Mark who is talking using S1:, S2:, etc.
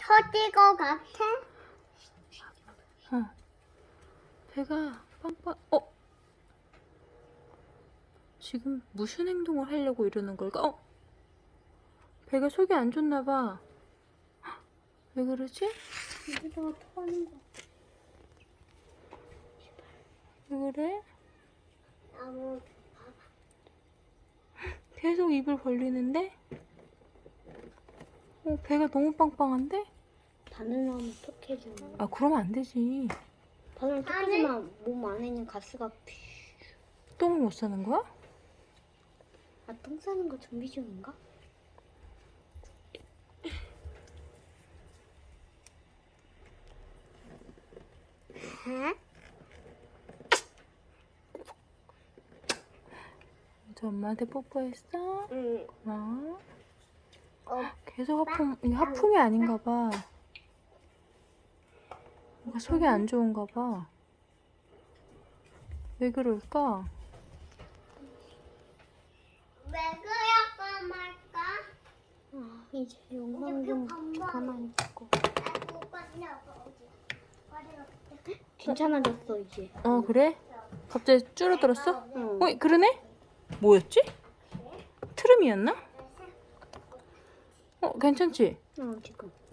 S1: 터질 것 같아?
S2: 배가 빵빵. 지금 무슨 행동을 하려고 이러는 걸까? 배가 속이 안 좋나 봐. 왜 그러지?
S1: 이거 터는 거.
S2: 왜 그래?
S1: 아무
S2: 계속 입을 벌리는데? 배가 너무 빵빵한데?
S1: 바늘하면 톡해지는.
S2: 아, 그러면 안 되지.
S1: 바늘 톡해지면 몸 안에 있는 가스가
S2: 똥을 못 싸는 거야?
S1: 똥 싸는 거 준비 중인가?
S2: 저 엄마한테 뽀뽀했어?
S1: 응.
S2: 고마워.
S1: 어,
S2: 계속 이게 하품이 아닌가 봐. 뭔가 속이 안 좋은가 봐. 왜 그럴까?
S1: 왜 그럴까 말까? 이제 영상 좀 가만히 있고. 괜찮아졌어 이제.
S2: 그래? 갑자기 줄어들었어?
S1: 응.
S2: 그러네? 뭐였지? 트름이었나? 괜찮지?
S1: 지금.